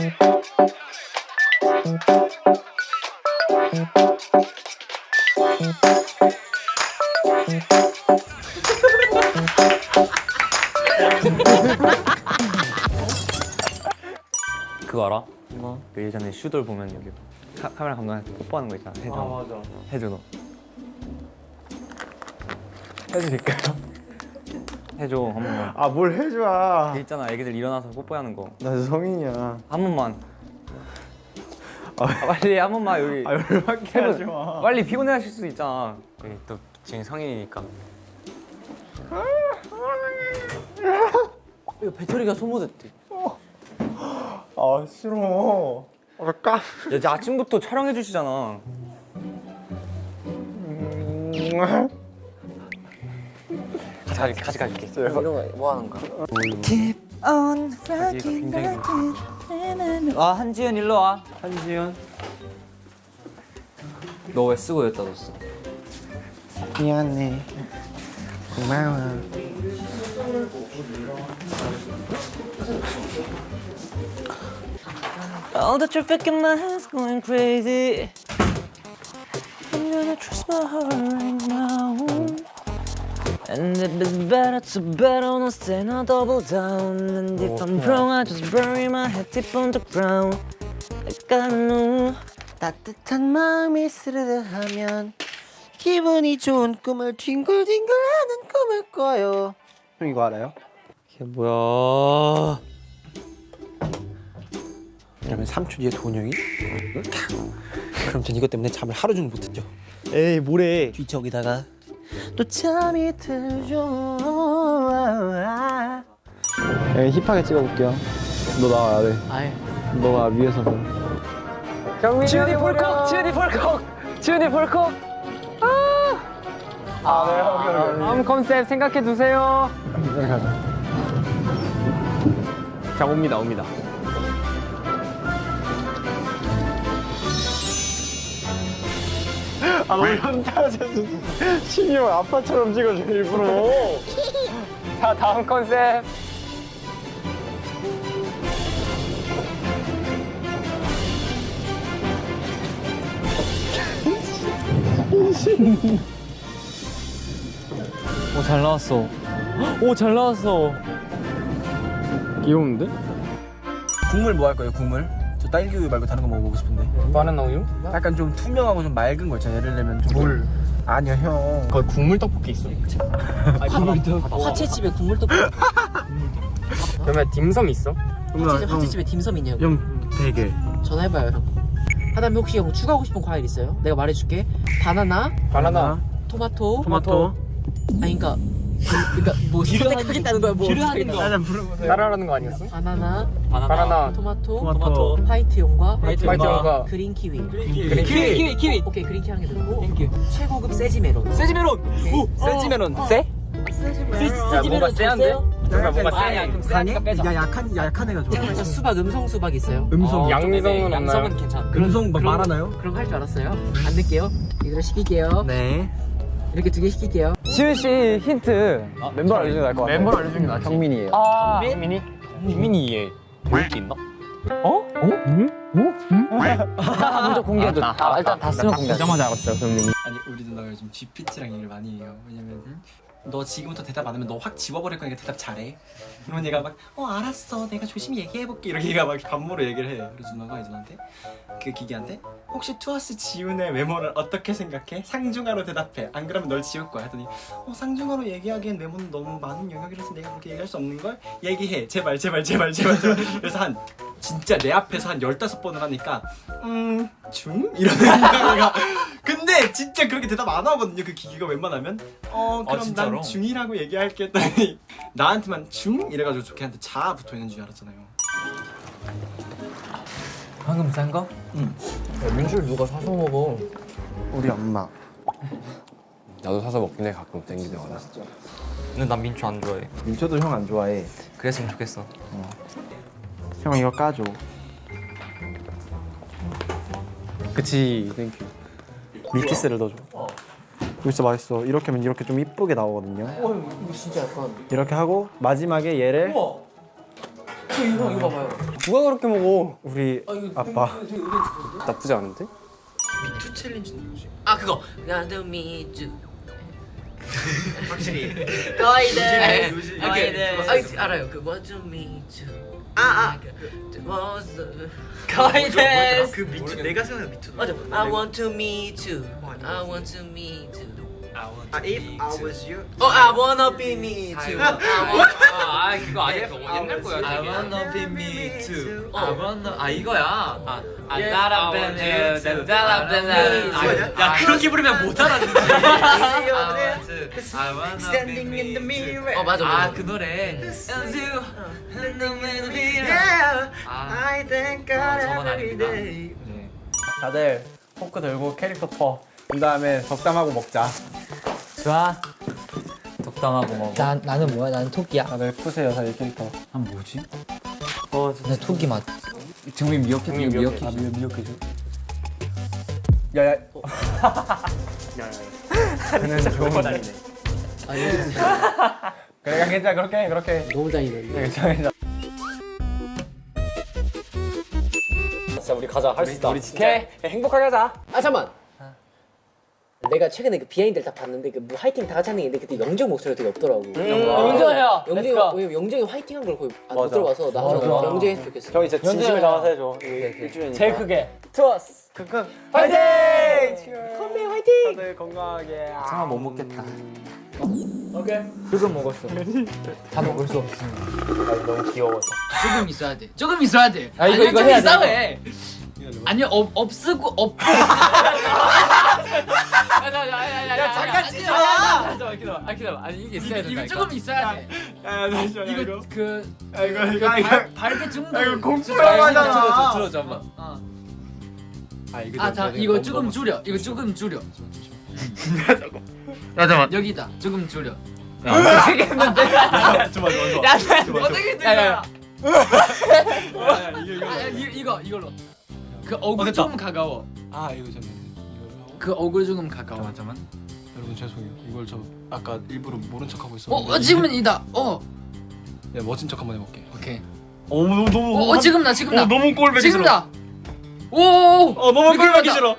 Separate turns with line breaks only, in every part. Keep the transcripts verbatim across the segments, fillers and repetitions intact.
그거 알아? 뭐? 그 예전에 슈돌 보면 여기 카, 카메라 감독한테 뽀뽀하는 거 있잖아. 해줘. 아 맞아. 해줘 너. 해드릴까요? 해줘 한 번만.
아 뭘 해줘.
그 있잖아 애기들 일어나서 뽀뽀하는 거.
나 성인이야.
한 번만. 아, 빨리 한 번만 여기.
아 열받게 하지 마.
빨리 피곤해하실 수 있잖아. 여기 또 지금 성인이니까. 이거 배터리가 소모됐대.
아 싫어. 아 까.
야, 이제 아침부터 촬영해 주시잖아.
음...
같이 같이 가줄게.
이런
거 뭐 하는 거야? Keep on rocking, rocking. 아 한지연 일로 와.
한지연.
너 왜 쓰고 여기다 뒀어?
미안해. 고마워.
All the traffic in my head's going crazy. I'm gonna trust my heart right now. And if it's better to bet on us, then I'll double down. And if I'm wrong, I just bury my head deep on the ground. Like I know.
따뜻한 마음이 스르르하면 기분이 좋은 꿈을 뒹굴뒹굴하는 꿈을 꿔요. 형 이거 알아요?
이게 뭐야?
그러면 삼 초 뒤에 돈영이 그럼 전 이것 때문에 잠을 하루 종일 못 듣죠. 에이 뭐래. 뒤척이다가 또 잠이 들죠. 에 힙하게 찍어볼게요. 너 나와야 돼.
아예.
너가 위에서 봐.
경민이 지은이 폴콕! 지은이 폴콕! 지은이 폴콕! 아!
아, 네, 여기, 여기.
다음 컨셉 생각해 두세요.
여기 가자. 자, 옵니다, 옵니다. 아, 너무 현타하셔서 신이형 아빠처럼 찍어줘, 일부러.
자, 다음 컨셉. 오, 잘 나왔어. 오, 잘 나왔어.
귀여운데? 국물 뭐 할 거예요, 국물? 저 딸기 우유 말고 다른 거 먹어보고 싶은데.
바나나 우유?
약간 좀 투명하고 좀 맑은 거 있잖아요. 예를 들면 좀 물. 아니야, 형.
거기 국물 떡볶이 있어.
화채집에 국물 떡볶이.
그러면 딤섬 있어?
화채집, 화채집에 딤섬 있냐고.
형 되게.
전화해봐요 형. 하다면 혹시 형 추가하고 싶은 과일 있어요? 내가 말해줄게. 바나나,
바나나.
토마토.
토마토.
아니 그니까 그니까 뭐 선택하겠다는 거야 뭐.
하는 거. 하나 물어보세요.
따라하는 거 아니었어?
바나나,
바나나.
토마토,
토마토.
화이트 용과
화이트 용과.
그린 키위.
그린 키위.
키위 키위. 오케이 그린 키위 한 개 들고. 최고급 세지 메론.
세지 메론. 오, 세지 메론. 세?
세지
야,
세지
뭔가 세한데? 그러면 뭔가
아니야
세.
그럼 세하니까 빼자.
야, 약한 약한 애가 좋아.
그래서 수박 음성 수박 있어요.
음성.
양성은
양성은 괜찮아.
음성 막
그럼-
말하나요?
그런 거 할 줄 알았어요? 안 넣을게요. 이대로 시킬게요.
네.
이렇게 두 개 시킬게요.
지은 씨 힌트.
멤버 알려주는 게 나을 것 같아.
멤버를 알려주는 게 낫지.
경민이에요.
아, 경민이? 경민이 얘 배울 게 있나? 어? 어? 응? 어? 먼저 공개해줘. 아, 일단 다 쓰면 공개. 보자마자 알았어요, 경민이.
아니 우리 누나가 요즘 지피티랑 얘기를 많이 해요. 왜냐면 응? 너 지금부터 대답 안 하면 너 확 지워버릴 거니까 대답 잘해. 그러면 얘가 막 어 알았어 내가 조심히 얘기해볼게 이렇게 얘가 막 반모로 얘기를 해. 그래서 누나가 이제 나한테 그 기계한테 혹시 투어스 지훈의 외모를 어떻게 생각해? 상중하로 대답해. 안 그러면 널 지울 거야. 했더니 어 상중하로 얘기하기엔 외모는 너무 많은 영역이라서 내가 그렇게 얘기할 수 없는 걸 얘기해. 제발 제발 제발 제발 제발. 그래서 한 진짜 내 앞에서 한 열다섯 번을 하니까 음 중? 이러는 거야. 근데 진짜 그렇게 대답 안 하거든요. 그 기계가 웬만하면 어 그럼
진짜로?
난 중이라고 얘기할게 했더니 나한테만 중? 이래가지고 걔한테 자 붙어있는 줄 알았잖아요.
방금 싼 거?
응.
민주를 누가 사서 먹어?
우리 엄마.
나도 사서 먹긴 해 가끔 땡기면.
근데 난 민주 안 좋아해.
민초도 형 안 좋아해.
그랬으면 좋겠어.
형 이거 까줘.
그치.
땡큐. 밀키스를 넣어줘. 이거 진짜 맛있어. 이렇게 하면 이렇게 좀 이쁘게 나오거든요.
어 이거 진짜 약간.
이렇게 하고 마지막에 얘를
이거 이거 봐봐요.
누가 그렇게 먹어?
우리
아, 이거
아빠.
나쁘지 않은데?
미투 챌린지는 뭐지?
아 그거. 나도 미주.
확실히
거의들.
요즘-
거의들.
요즘-
아 알아요. 그 what you mi주. 아아. 거의들.
그 미투 내가 생각하는 미투
맞아. I want to meet you. I want to meet you.
아 if I was you
어, I wanna be me too. I want-
아 그거 아니야 그거 옛날 거야
I
되게.
wanna be me too.
I wanna 아 이거야. 아 아,
Yes,
따라
I want
벤
you to.
따라 벤
뭐냐?
야 그렇게 부르면 못 알아듣지.
I wanna
Standing in the mirror
어 맞아 맞아.
아그 노래.
Yeah
아
I thank God
어, 저건
every
아닙니다.
day
다들 포크 들고 캐릭터 퍼. 그 다음에 덕담하고 먹자.
좋아.
덕담하고 먹어.
난 나는 뭐야? 나는 토끼야.
다들 푸세요, 사실 캐릭터.
아 뭐지?
나 토끼 맛.
정민 미역해 미역해.
아, 미역 미역해줘. 야야. 그는 좋은 다니네. 그래, 괜찮아. 그렇게 해, 그렇게 해.
너무 다니는데.
괜찮아, 괜찮아.
진짜 우리 가자. 할 수 있다. 우리 진짜
오케이.
행복하게 하자.
아 잠만. 내가 최근에 그 비하인드를 다 봤는데 그 뭐 화이팅 다 같이 하는 게 있는데 그때 영정 목소리가 되게 없더라고.
인정해요.
영정이 왜냐면 영정이 화이팅한 걸 거의 안 못 들어봐서 나
맞아.
영정이 했으면 좋겠어.
형이 진짜 진심을 담아서 해줘.
제일 크게. 투어스.
크크. 화이팅!
컴백 화이팅!
다들 건강하게.
아 못 먹겠다.
조금 먹었어. 다 먹을 수 없어.
너무 귀여워서.
조금 있어야 돼. 조금 있어야 돼.
아, 이거,
아니,
이거
좀
해야 돼,
이상해. 아니 없 없쓰고 없.
야 잠깐
진짜.
잠깐만 기다려. 아 기다려. 아니 이게 있어야 된다.
이거 조금 있어야 돼.
야, 잠시만.
이거 그
아, 이거
그
이거 이거.
발- 발개 중도.
이거 공포영화 하잖아.
들어줘 들어줘 한번.
아, 이거
아, 자, 이거 조금 줄여. 이거 조금 줄여. 잠깐만. 여기다. 조금 줄여.
좋아, 좋아, 좋아.
어떻게
야, 야,
들려?
이거
아, 이- 이거 이걸로. 그 얼굴
됐다.
조금 가까워.
아 이거 잠깐 이거를 하고
그 얼굴 조금 가까워.
잠깐만 여러분 죄송해요 이걸 저 아까 일부러 모른 척하고
어,
있었는데
어 지금은 이다. 어,
네, 멋진 척 한번 해볼게
오케이.
어 너무 너무
어, 어 지금 나 지금 나.
어, 너무 꼴보기 싫어
지금다. 오, 오,
어 너무 꼴보기 싫어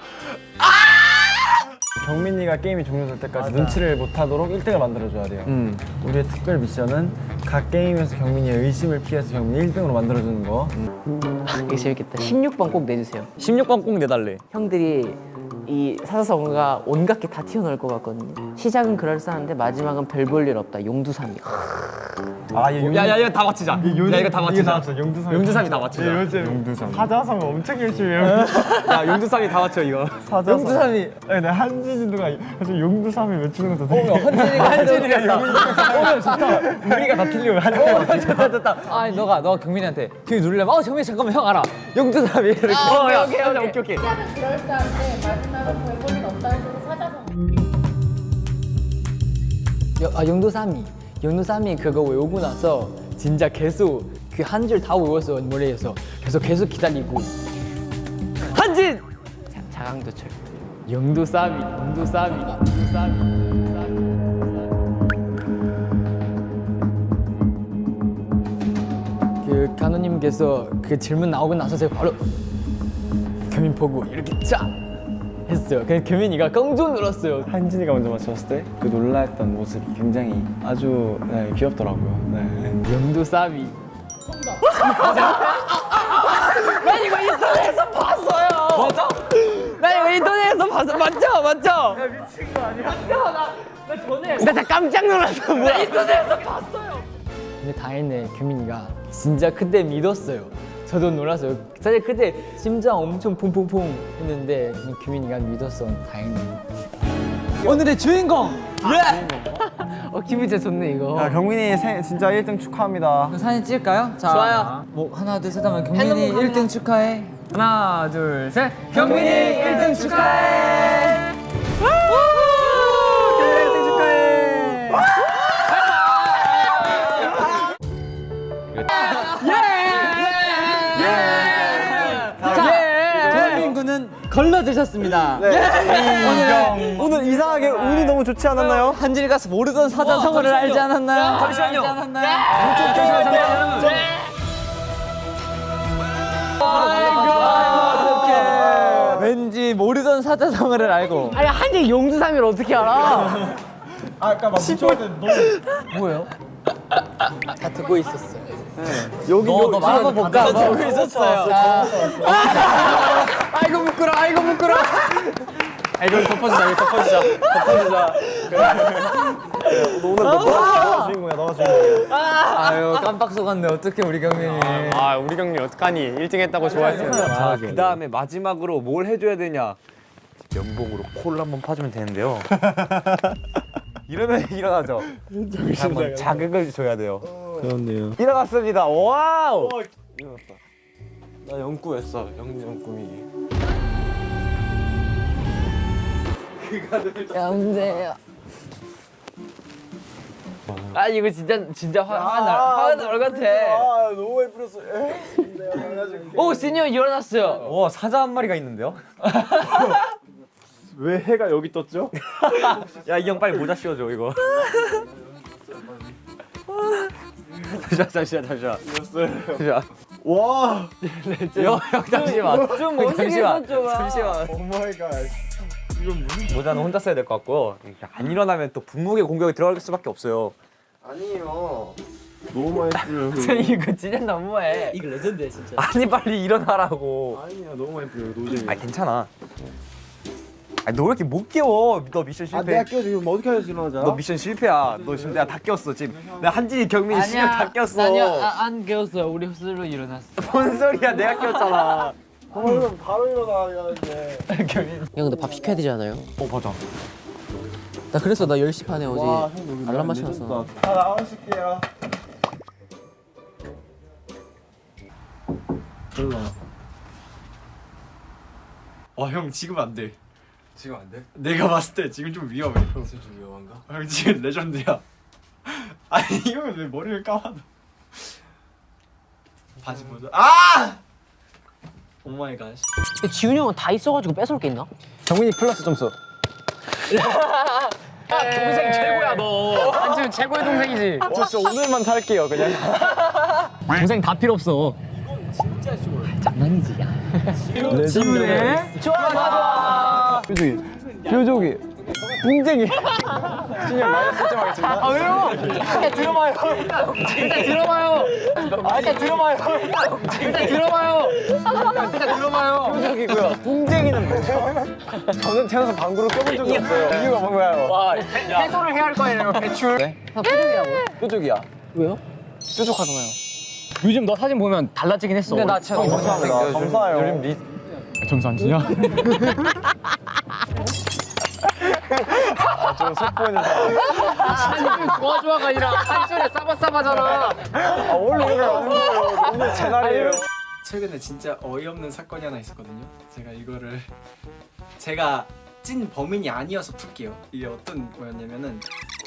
경민이가 게임이 종료될 때까지 눈치를 못하도록 일 등을 만들어줘야 돼요.
음.
우리의 특별 미션은 각 게임에서 경민이의 의심을 피해서 경민이 일 등으로 만들어주는 거.
이게 재밌겠다. 십육 번 꼭 내주세요.
십육 번 꼭 내달래.
형들이 이 사사성어가 온갖 게 다 튀어나올 것 같거든요. 시작은 그럴싸한데 마지막은 별 볼 일 없다. 용두삼이.
아, 얘
야, 야, 이거 다 맞히자. 야, 이거 다 맞히자.
나왔어. 용두삼.
용두삼이 다 맞히자.
요즘 용두삼. 사자성 엄청 열심히 해요.
야, 용두삼이 다 맞춰 이거.
사자성. 용두삼이. 아니, 나 한진이가 요즘 용두삼이 외치는 것도 되게. 한진이가 한진이가 용두삼. 어, 좋다. 우리가 다 틀리고 한진이가 좋다 좋다.
아니 너가 너가 경민이한테 경민 누르려면 어 경민 잠깐만 형 알아. 용두삼이 이렇게.
어, 야, 오케이, 오케이, 오케이, 오케이.
시작은 그럴싸한데 마지막은 별볼일 없다 해서 사자성.
여- 아 용두삼이. 용두삼이 그거 외우고 나서 진짜 계속 그 한 줄 다 외웠어 머리에서. 그래서 계속 기다리고. 한진.
자강도철.
용두삼이. 용두삼이. 용두삼이. 그 간호님께서 그 질문 나오고 나서 제가 바로 경민 보고 이렇게 쫙 했어요. 그래서 경민이가 깡종 놀았어요.
한진이가 먼저 맞췄을 때 그 놀라했던 모습이 굉장히 아주 네, 귀엽더라고요. 네.
용두삼이. 난 이거 인터넷에서 봤어요. 맞아? 나 이거 인터넷에서 봤어. 맞죠? 맞죠? 야 미친 거 아니야? 맞죠? 나, 나 전에 나 깜짝 놀랐어. 뭐야? 나 인터넷에서 봤어요. 근데 다행이네 경민이가 진짜 그때 믿었어요. 저도 놀랐어요. 사실 그때 심장 엄청 퐁퐁퐁 했는데 규민이가 믿었어. 다행이네. 오늘의 주인공. 예.
어 기분 진짜 좋네 이거.
야, 경민이 생, 진짜 일 등 축하합니다.
사진 찍을까요? 자,
좋아요.
뭐 하나 둘 셋 하면 경민이 일 등 축하해. 하나 둘 셋. 경민이 일 등 축하해. 경민이 일 등 축하해. 대한민국은 걸러드셨습니다.
오늘 오늘 이상하게 운이 너무 좋지 않았나요?
한진이가 모르던 사자성어를 알지 않았나요? 잠시만요. 알지 않았나요? 우리 모르던 사자성어를 알고.
아니 한지 용두삼일 어떻게 알아?
아까 막 묻혀야 돼. 너
뭐예요? 다 듣고 있었어.
여기
너, 너 말한 거 볼까? 너 듣고 있었어요.
아이고 부끄러, 아이고 부끄러.
아, 이거 덮어주자, 이거 덮어주자. 덮어주자.
너 오늘 너, 너가 주인공이야. 너가 주인공이야.
아유, 깜빡 속았네. 어떻게 우리 경민이.
아 우리 경리 어떡하니? 일 등 했다고 좋아했어요.
자, 그 다음에 마지막으로 뭘 해줘야 되냐? 연봉으로 코를 한번 파주면 되는데요. 이러면 일어나죠. 한번 자극을 줘야 돼요.
그렇네요.
일어났습니다. 와우.
일어났다. 나 영구였어. 영영꿈이.
영재야.
아 이거 진짜 진짜 화 화날 화날 것 같아.
아 너무 예쁘렸어.
오 시니어 일어났어요. 와 사자 한 마리가 있는데요?
왜 해가 여기 떴죠?
야 이 형 빨리 모자 씌워줘 이거. 잠시만 잠시만 잠시만. 잠시만.
와.
형, 형 잠시만. 좀
멋있겠어, 좀.
잠시만.
오 마이 갓.
모자는 혼자 써야 될 것 같고 안 일어나면 또 분무게 공격이 들어갈 수밖에 없어요.
아니에요.
너무 많이 뿌려.
이거 진짜 너무해.
이거 레전드야 진짜.
아니 빨리 일어나라고.
아니야 너무 많이 뿌려. 노잼이.
아 괜찮아. 아니 너 왜 이렇게 못 깨워? 너 미션
아
실패.
내가 끼워줘. 이거 뭐 어떻게 해야지 일어나자.
너 미션 실패야. 너 지금 내가 다 깨웠어 지금. 내가 한진이 경민이 시간 다 깨웠어.
아니야, 아, 안 깨웠어요. 우리 스스로 일어났어.
뭔 소리야? 내가 깨웠잖아.
어, 이러면 바로 일어나야 돼.
형 근데 밥 시켜야 되지 않아요?
어 맞아.
나 그래서 나 열 시 반에 어제
와, 형 여기
알람
레전드다.
맞춰놨어.
다 나오실게요.
와형 지금 안 돼.
지금 안 돼?
내가 봤을 때 지금 좀 위험해.
평소 좀 위험한가?
형 지금 레전드야. 아니 이거면 왜 머리를 감아도. 바지 보자. 아! 오 마이 갓.
근데 지훈이 형은 다 있어가지고 뺏어올 게 있나?
정민이 플러스 점수.
동생 최고야 너. 한지훈 최고의 동생이지.
저 진짜 오늘만 살게요 그냥.
동생 다 필요 없어. 진짜 좋아. 장난이지.
레전드네.
좋아 좋아.
표정이. 표정이. 붕쟁이. 진영 마이너스 일 점 하겠습니다.
아 왜요? 일단 들어봐요. 일단 들어봐요. 아, 일단 들어봐요. 일단 들어봐요. 일단 들어봐요.
표정이고요. 붕쟁이는 뭐죠? 저는 태어나서 방구를 껴본 적이 없어요. 이유가 뭔가요?
와 해소를 해야 할 거예요. 배출. 네? 표정이라고.
뾰족이야.
왜요?
뾰족하잖아요.
요즘 너 사진 보면 달라지긴 했어. 근데 나 참.
감사합니다. 감사해요. 요즘 리...
점수 안 주냐?
좀 속보이는 사람.
한줄 좋아 좋아가 아니라 한줄에 싸바싸바잖아.
아 원래 이렇게 하는 거예요. 오늘 제 날이에요.
최근에 진짜 어이없는 사건이 하나 있었거든요. 제가 이거를 제가 찐 범인이 아니어서 풀게요. 이게 어떤 거였냐면은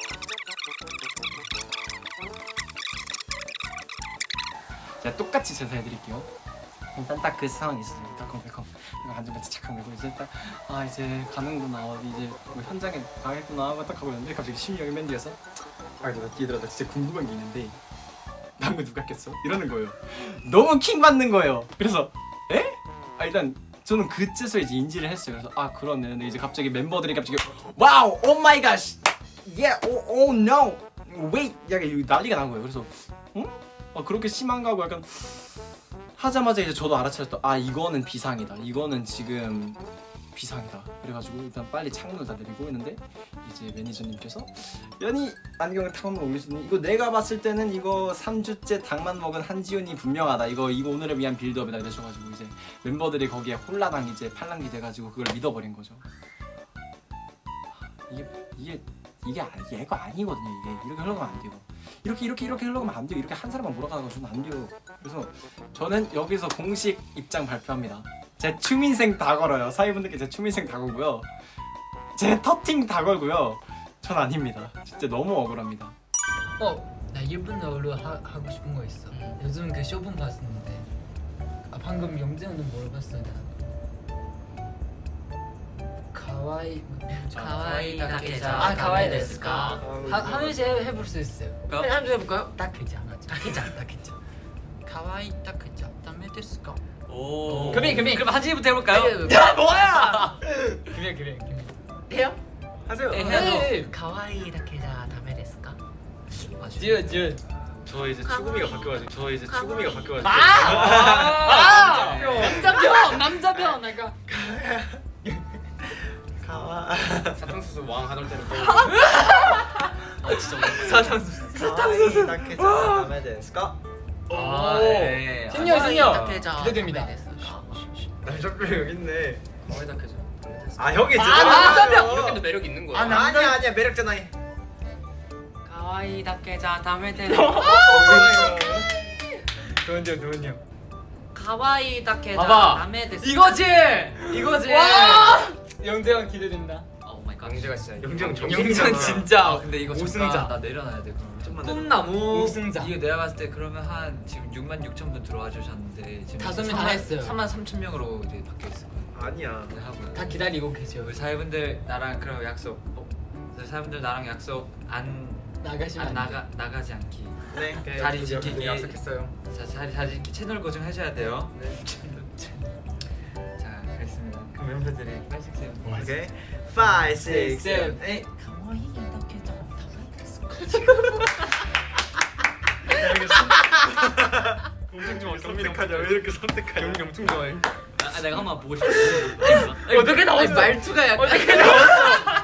제가 똑같이 제사해드릴게요. 일단 딱 그 상황이 있었어요. 달콤달콤 이거 안전벨트 착각 메고 이제 딱 아 이제 가는구나 어디 이제 뭐 현장에 가겠구나 하고 딱 하고 있는데 갑자기 심영이 맨 뒤에서 아 내가 뒤에 들어다 진짜 궁금한 게 있는데 방금 누가 꼈어? 이러는 거예요. 너무 킹 받는 거예요. 그래서 에? 아 일단 저는 그제서 이제 인지를 했어요. 그래서 아 그러네. 근데 이제 갑자기 멤버들이 갑자기 와우 오 마이 갓 예오오 노 웨이 약간 이거 난리가 난 거예요. 그래서 응? 아 그렇게 심한가 하고 약간 하자마자 이제 저도 알아차렸다. 아 이거는 비상이다. 이거는 지금 비상이다. 그래가지고 일단 빨리 창문을 다 내리고 있는데 이제 매니저님께서 연희 안경을 탁 한번 올리시더니 이거 내가 봤을 때는 이거 삼 주째 닭만 먹은 한지훈이 분명하다. 이거 이거 오늘을 위한 빌드업이다 이러셔가지고 이제 멤버들이 거기에 홀라당 이제 팔랑기 돼가지고 그걸 믿어버린 거죠. 이게 이게 이게 아니 얘가 아니거든요. 이게 이렇게 흘러가면 안 돼요. 이렇게 이렇게 이렇게 흘러가면 안 돼요. 이렇게 한 사람만 몰아가가지고는 안 돼요. 그래서 저는 여기서 공식 입장 발표합니다. 제 추민생 다 걸어요. 사위분들께 제 추민생 다 걸고요. 제 터팅 다 걸고요. 전 아닙니다. 진짜 너무 억울합니다.
어, 나 일본 어로 하고 싶은 거 있어. 요즘 그 쇼분 봤었는데, 아 방금 영재 형도 물어봤어 나. 가와이
가와이 다케자.
아 가와이 데스까? 하면서 해볼 수 있어요.
한 줄 해볼까요?
다케자, 다케자, 다케자. 가와이 다케자,
ダメですか?
오.
금이 금이
그럼 한진이부터 해볼까요?
야 뭐야? 금이 금이 금이 해요?
하세요.
네, 해야죠. 가와이 다케자 다메ですか? 지읒 지읒.
저 이제 추구미가 바뀌어가지고 저 이제 추구미가 바뀌어가지고.
아! 남자병 남자병 내가.
가와.
사탕수수 왕 하던 때로
아 진짜 사탕수수.
사탕수수 다케자 다메 데스까?
아, 네. 신녀 신녀 기대됩니다.
남자병 여기 있네.
가와이 다케자.
아 형이지.
아, 남자병!
이렇게도 매력 있는 거야.
아 아니야 아니야 매력잖아.
가와이 다케자 다메 데스.
좋은데요 좋은데요.
가와이 다케자
봐봐.
다메 데스.
이거지. 이거지.
영재형 기대된다.
오 마이 갓.
영재가 진짜
영재형
영재는
정승이잖아.
진짜. 근데 이거
우승자.
잠깐 나 내려놔야 돼 그럼.
좀만
꿈나무.
우승자.
이게 내가 봤을 때 그러면 한 지금 육만 육천 분 들어와 주셨는데 지금
다섯 명다 했어요.
삼만 삼천 명으로 이제 바뀌어 있을 거예요.
아니야.
이제 하고요.
다 기다리고 계죠.
우리 사회분들 나랑 그럼 약속. 어? 우리 사회분들 나랑 약속 안,
나가시면
안
안
나가 나가지 않기.
네.
자리 지키기.
약속했어요.
자 자리 자리 지키 채널 고정 해줘야 돼요. 네. 자 그렇습니다. 그 멤버들이 빨씩 세요.
오케이. five, six, seven,
seven,
eight.
가와이 다케자 다메 데스.
엄청 좋아. 선택하자. 왜 이렇게 선택하냐? 경이 엄청 좋아해.
아 내가 한번 보고 싶어.
어떻게 나왔어?
말투가 약간.
어떻게 나왔어?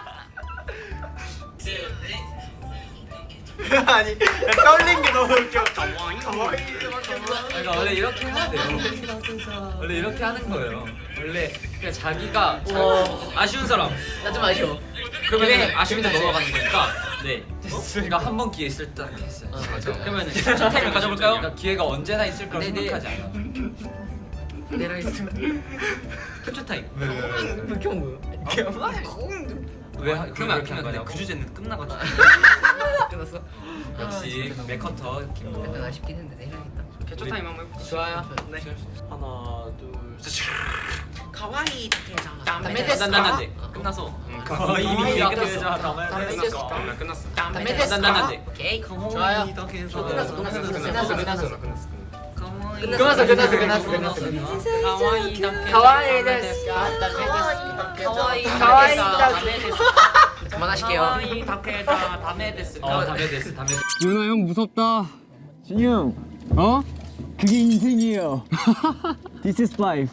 아니 떨린 게 너무 웃겨. 가와이 가와이.
그러니까 원래 이렇게 해야 돼요. 원래 이렇게 하는 거예요. 원래 그냥 자기가 자, 아쉬운 사람.
나 좀 아쉬워.
그러면 아쉬운데 넘어가는 거니까. 네. 그러니까 한 번 기회 있을 때 했어요.
맞아.
그러면 캡처 타임 가져볼까요? 그러니까 기회가 언제나 있을 거라
네, 네.
생각하지 않아.
내가 있으면
캡처 타임.
그렇게 온 거요?
왜 하-
그러면 안
그렇게 한
끝났네.
거냐? 그 주제는 끝나가지고.
끝났어?
역시 맥커터
약간
김도.
아쉽긴 했는데 내려야겠다.
개초 타임 한번 해볼까?
좋아요.
네.
하나 둘 셋.
가와이 다케자 다메
난
데스.
난난데 끝나서.
가와이
이미
끝났어.
끝났어.
다메 데스.
끝났어. 나 끝났어.
다메
난
데스.
난난데.
오케이.
좋아요.
좋아요.
끝났어
끝났어, 끝났어, 끝났어,
끝났어.
끝났어.
나 끝났어.
끝났어 끝났어 끝났어 끝났어. 가와이 다케자 가와이 데스. 가와이 가와이 다메 데스. 그만하실게요. 가와이 다케자 다메 데스.
어 담배 됐어 담배.
윤호 형 무섭다. 진이 형. 어? 그게 인생이에요. This is life.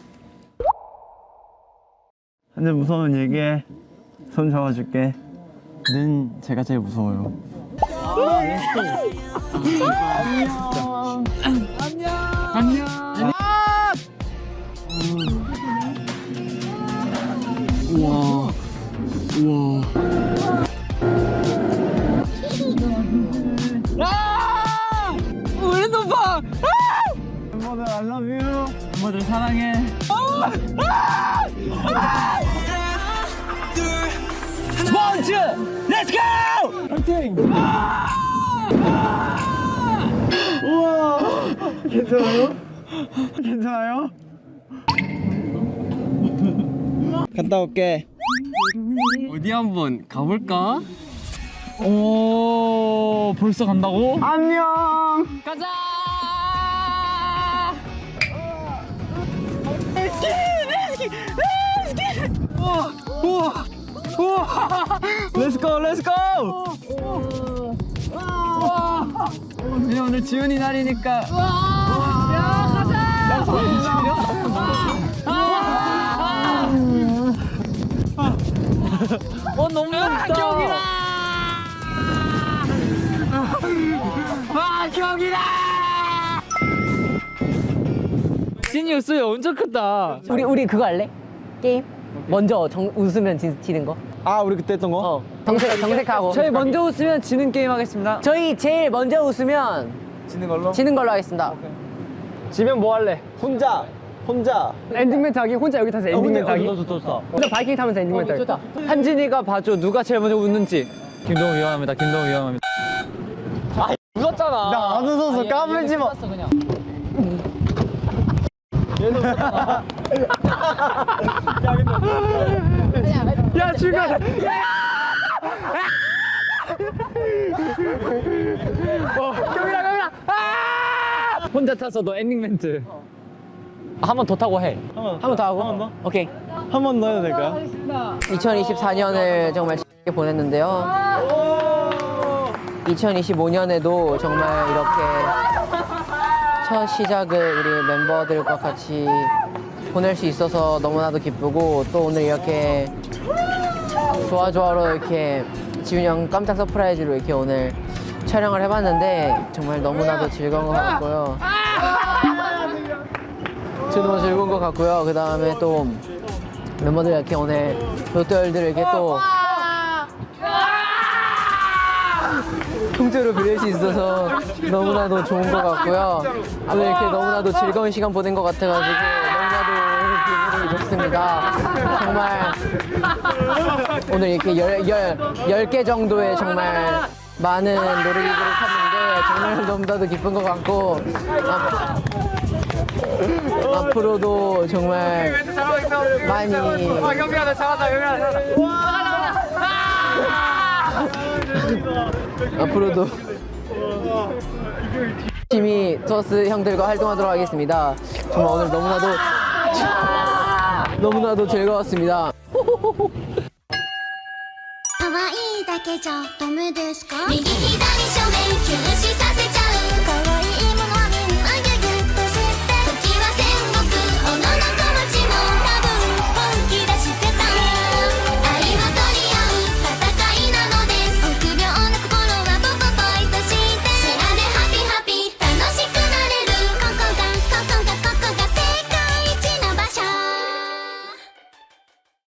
근데 무서우면 얘기해. 손 잡아줄게. 는 제가 제일 무서워요. 안녕. 안녕. 우와. 우와. 아! 우리 오빠! 멤버들 I love you. 멤버들 사랑해. 스포츠! Let's go! 파이팅! 우와! 괜찮아요? 괜찮아요? 갔다 올게. 어디 한번 가볼까? 오, 벌써 간다고? 안녕. 가자. 렛츠기, 렛츠기, 렛츠기. 우와, 우와, 우와. 렛츠고, 렛츠고. 우와. 이제 오늘 지훈이 날이니까. 야, 가자. 어, 너무 멋있다. 경이다. 와, 경이다. 진이 웃음이 엄청 크다.
우리 우리 그거 할래? 게임? 먼저 정, 웃으면 지, 지는 거?
아, 우리 그때 했던 거?
어 정색, 정색하고
저희 먼저 웃으면 지는 게임 하겠습니다.
저희 제일 먼저 웃으면
지는 걸로?
지는 걸로 하겠습니다.
지면 뭐 할래? 혼자. 혼자. 엔딩 멘트 하기? 혼자 여기 타서 엔딩 멘트 하기? 좋다, 좋다. 혼자 바이킹 타면서 엔딩 멘트 하기. 좋다. 한진이가 봐줘. 누가 제일 먼저 웃는지. 김동우 위험합니다. 김동우 위험합니다. 아, 웃었잖아. 나 안 웃어서 까불지 마. 그냥. 야, 죽여. 경이라, 경이라. 아! 혼자 타서 너 엔딩 멘트. 한 번 더 타고 해.
한 번 더 하고? 한 번 더?
오케이.
한 번 더 해도 될까요?
이천이십사 년을 정말 재밌게 보냈는데요. 이천이십오 년에도 정말 이렇게 첫 시작을 우리 멤버들과 같이 보낼 수 있어서 너무나도 기쁘고 또 오늘 이렇게 좋아좋아로 이렇게 지훈이 형 깜짝 서프라이즈로 이렇게 오늘 촬영을 해봤는데 정말 너무나도 즐거운 것 같고요. 너무 즐거운 것 같고요. 그 다음에 또 멤버들 이렇게 오늘 롯데월드를 이렇게 또 통째로 빌릴 수 있어서 너무나도 좋은 것 같고요. 오늘 이렇게 너무나도 즐거운 시간 보낸 것 같아가지고 너무나도 기분이 좋습니다. 정말 오늘 이렇게 열, 열, 열 개 정도의 정말 많은 놀이기구를 탔는데 정말 너무나도 기쁜 것 같고 앞, 앞으로도 정말 많이
경비하다 잘한다 경비하다
앞으로도 열심히 투어스 형들과 활동하도록 하겠습니다. 정말 오늘 너무나도 너무나도 즐거웠습니다.
可愛いだけじゃダメですか右左